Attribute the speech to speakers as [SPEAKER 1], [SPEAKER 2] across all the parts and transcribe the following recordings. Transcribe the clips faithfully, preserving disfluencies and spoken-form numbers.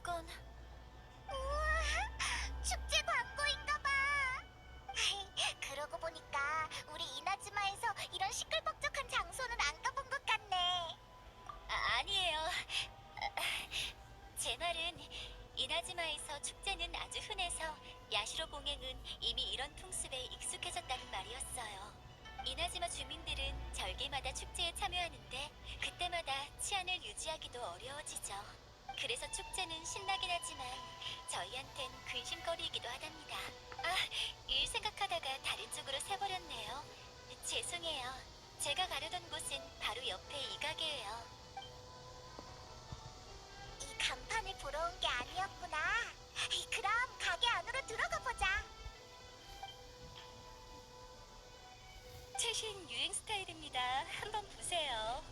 [SPEAKER 1] 이건
[SPEAKER 2] 우와, 축제 광고인가 봐. 그러고 보니까 우리 이나즈마에서 이런 시끌벅적한 장소는 안 가본 것 같네.
[SPEAKER 1] 아, 아니에요. 제 말은 이나즈마에서 축제는 아주 흔해서 야시로 봉행은 이미 이런 풍습에 익숙해졌다는 말이었어요. 이나즈마 주민들은 절기마다 축제에 참여하는데 그때마다 치안을 유지하기도 어려워지죠. 그래서 축제는 신나긴 하지만 저희한텐 근심거리이기도 하답니다. 아, 일 생각하다가 다른 쪽으로 새버렸네요. 죄송해요. 제가 가려던 곳은 바로 옆에 이 가게예요.
[SPEAKER 2] 이 간판을 보러 온 게 아니었구나. 그럼 가게 안으로 들어가 보자.
[SPEAKER 1] 최신 유행 스타일입니다. 한번 보세요.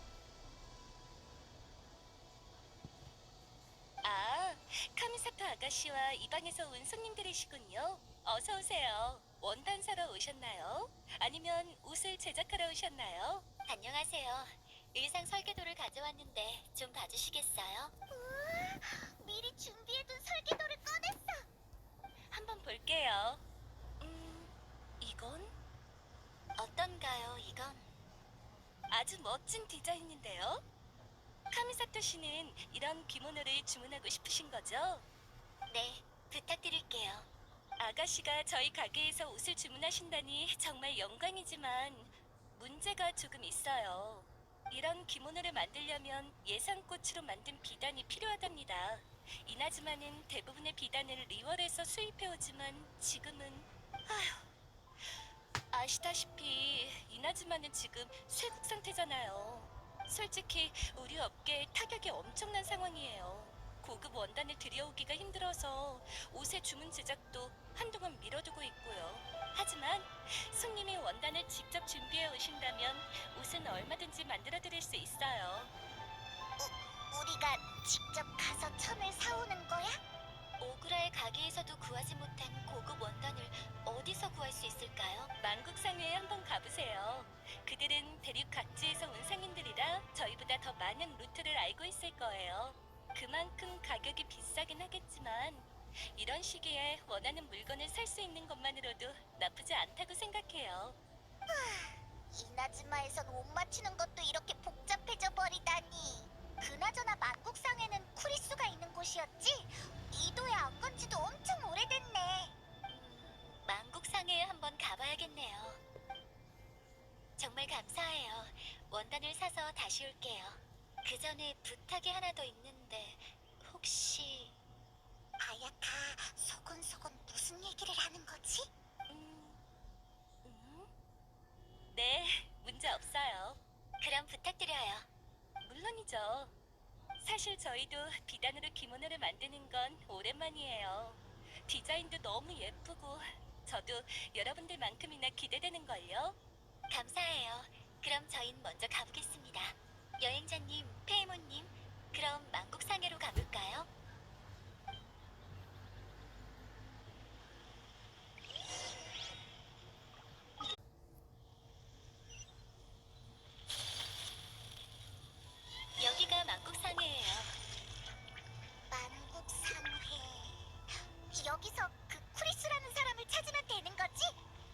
[SPEAKER 1] 아, 카미사토 아가씨와 이 방에서 온 손님들이시군요. 어서 오세요. 원단 사러 오셨나요? 아니면 옷을 제작하러 오셨나요? 안녕하세요. 의상 설계도를 가져왔는데 좀 봐주시겠어요?
[SPEAKER 2] 우와, 미리 준비해둔 설계도를 꺼냈어.
[SPEAKER 1] 한번 볼게요. 음, 이건? 어떤가요, 이건? 아주 멋진 디자인인데요? 카미사토 씨는 이런 기모노를 주문하고 싶으신 거죠? 네, 부탁드릴게요. 아가씨가 저희 가게에서 옷을 주문하신다니 정말 영광이지만 문제가 조금 있어요. 이런 기모노를 만들려면 예상꽃으로 만든 비단이 필요하답니다. 이나즈마는 대부분의 비단을 리월에서 수입해오지만 지금은 아휴, 아시다시피 이나즈마는 지금 쇠국 상태잖아요. 솔직히 우리 업계에 타격이 엄청난 상황이에요. 고급 원단을 들여오기가 힘들어서 옷의 주문 제작도 한동안 미뤄두고 있고요. 하지만 손님이 원단을 직접 준비해 오신다면 옷은 얼마든지 만들어 드릴 수 있어요.
[SPEAKER 2] 우, 우리가 직접 가서 천을 사오는 거야?
[SPEAKER 1] 오그라의 가게에서도 구하지 못한 고급 원단을 어디서 구할 수 있을까요? 만국상회에 한번 가보세요. 그들은 대륙 각지에서 온 상인들이라 저희보다 더 많은 루트를 알고 있을 거예요. 그만큼 가격이 비싸긴 하겠지만 이런 시기에 원하는 물건을 살 수 있는 것만으로도 나쁘지 않다고 생각해요.
[SPEAKER 2] 이나즈마에선 옷 맞추는 것도 이렇게 복잡해져 버리다니. 그나저나 만국상에는 쿠리수가 있는 곳이었지? 이도에 안 간 지도 엄청 오래됐네.
[SPEAKER 1] 음, 만국상회에 한번 가봐야겠네요. 정말 감사해요. 원단을 사서 다시 올게요. 그 전에 부탁이 하나 더 있는데 혹시
[SPEAKER 2] 아야카, 소곤소곤 무슨 얘기를 하는 거지?
[SPEAKER 1] 음, 음? 네, 문제 없어요. 그럼 부탁드려요. 물론이죠. 사실 저희도 비단으로 기모노를 만드는 건 오랜만이에요. 디자인도 너무 예쁘고 저도 여러분들만큼이나 기대되는걸요. 감사해요. 그럼 저흰 먼저 가보겠습니다. 여행자님, 페이모님, 그럼 만국상해로 가볼까요? 여기가 만국상해예요.
[SPEAKER 2] 만국상회. 여기서 그 쿠리스라는 사람을 찾으면 되는 거지?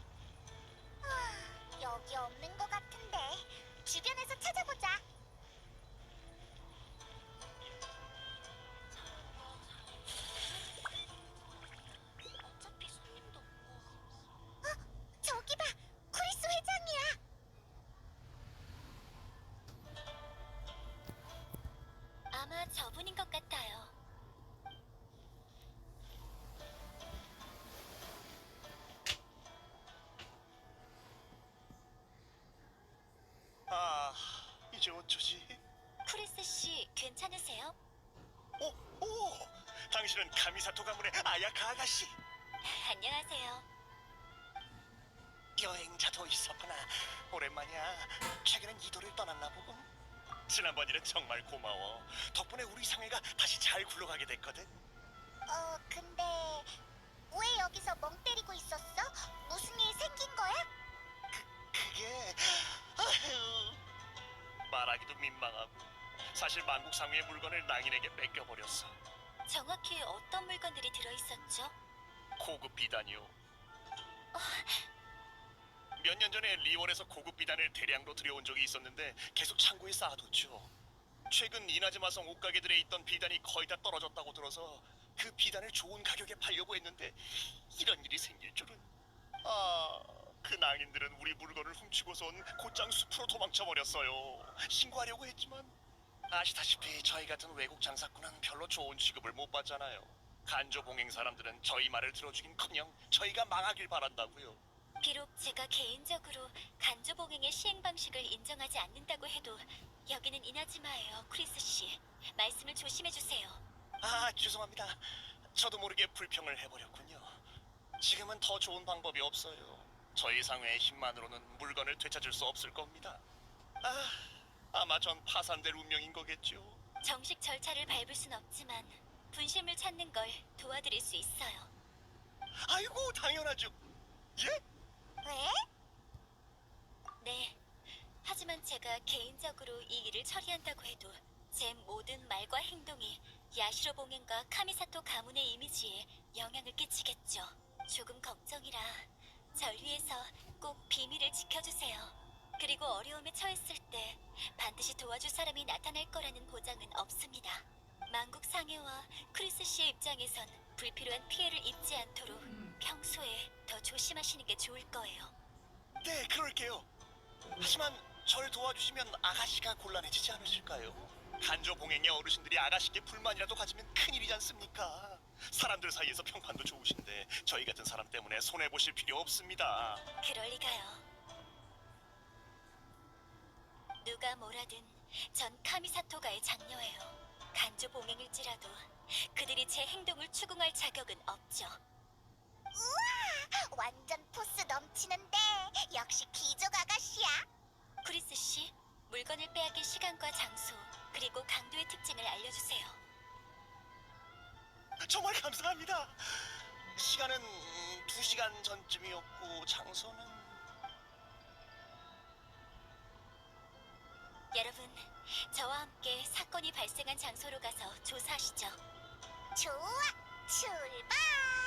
[SPEAKER 2] 아, 여기 없는 것 같은데. 주변에서 찾아보자.
[SPEAKER 1] 어차피 손님도 없고.
[SPEAKER 2] 어, 저기 봐. 쿠리스 회장이야.
[SPEAKER 1] 아마 저분인 것 같아요.
[SPEAKER 3] 아, 이제 어쩌지?
[SPEAKER 1] 크리스 씨, 괜찮으세요?
[SPEAKER 3] 오, 오! 당신은 카미사토 가문의 아야카 아가씨.
[SPEAKER 1] 안녕하세요.
[SPEAKER 3] 여행자도 있었구나. 오랜만이야. 최근엔 이도를 떠났나 보군. 지난번 일은 정말 고마워. 덕분에 우리 상회가 다시 잘 굴러가게 됐거든.
[SPEAKER 2] 어, 근데 왜 여기서 멍 때리고 있었어? 무슨 일 생긴 거야?
[SPEAKER 3] 그게... 아휴... 말하기도 민망하고 사실 만국상회의 물건을 낭인에게 뺏겨버렸어.
[SPEAKER 1] 정확히 어떤 물건들이 들어있었죠?
[SPEAKER 3] 고급 비단이요. 몇 년 전에 리원에서 고급 비단을 대량으로 들여온 적이 있었는데 계속 창고에 쌓아뒀죠. 최근 이나즈마성 옷가게들에 있던 비단이 거의 다 떨어졌다고 들어서 그 비단을 좋은 가격에 팔려고 했는데 이런 일이 생길 줄은. 아, 그 낭인들은 우리 물건을 훔치고선 곧장 숲으로 도망쳐버렸어요. 신고하려고 했지만 아시다시피 저희 같은 외국 장사꾼은 별로 좋은 취급을 못 받잖아요. 간조봉행 사람들은 저희 말을 들어주긴커녕 저희가 망하길 바란다고요.
[SPEAKER 1] 비록 제가 개인적으로 간조봉행의 시행 방식을 인정하지 않는다고 해도 여기는 이나즈마예요, 크리스 씨. 말씀을 조심해 주세요.
[SPEAKER 3] 아, 죄송합니다. 저도 모르게 불평을 해버렸군요. 지금은 더 좋은 방법이 없어요. 저희 상회의 힘만으로는 물건을 되찾을 수 없을 겁니다. 아, 아마 전 파산될 운명인 거겠죠.
[SPEAKER 1] 정식 절차를 밟을 순 없지만 분실물 찾는 걸 도와드릴 수 있어요.
[SPEAKER 3] 아이고, 당연하죠. 예?
[SPEAKER 2] 왜?
[SPEAKER 1] 네. 하지만 제가 개인적으로 이 일을 처리한다고 해도 제 모든 말과 행동이 야시로 봉행과 카미사토 가문의 이미지에 영향을 끼치겠죠. 조금 걱정이라 절 위해서 꼭 비밀을 지켜주세요. 그리고 어려움에 처했을 때 반드시 도와줄 사람이 나타날 거라는 보장은 없습니다. 만국 상해와 크리스 씨의 입장에선 불필요한 피해를 입지 않도록 평소에 더 조심하시는 게 좋을 거예요.
[SPEAKER 3] 네, 그럴게요. 하지만 절 도와주시면 아가씨가 곤란해지지 않으실까요? 간조봉행의 어르신들이 아가씨께 불만이라도 가지면 큰일이지 않습니까? 사람들 사이에서 평판도 좋으신데 저희 같은 사람 때문에 손해보실 필요 없습니다.
[SPEAKER 1] 그럴 리가요. 누가 뭐라든 전 카미사토가의 장녀예요. 간조 봉행일지라도 그들이 제 행동을 추궁할 자격은 없죠.
[SPEAKER 2] 우와! 완전 포스 넘치는데 역시 귀족 아가씨야.
[SPEAKER 1] 크리스 씨, 물건을 빼앗긴 시간과 장소 그리고 강도의 특징을 알려주세요.
[SPEAKER 3] 정말 감사합니다. 시간은 두 시간 전쯤이었고 장소는...
[SPEAKER 1] 여러분, 저와 함께 사건이 발생한 장소로 가서 조사하시죠.
[SPEAKER 2] 좋아, 출발!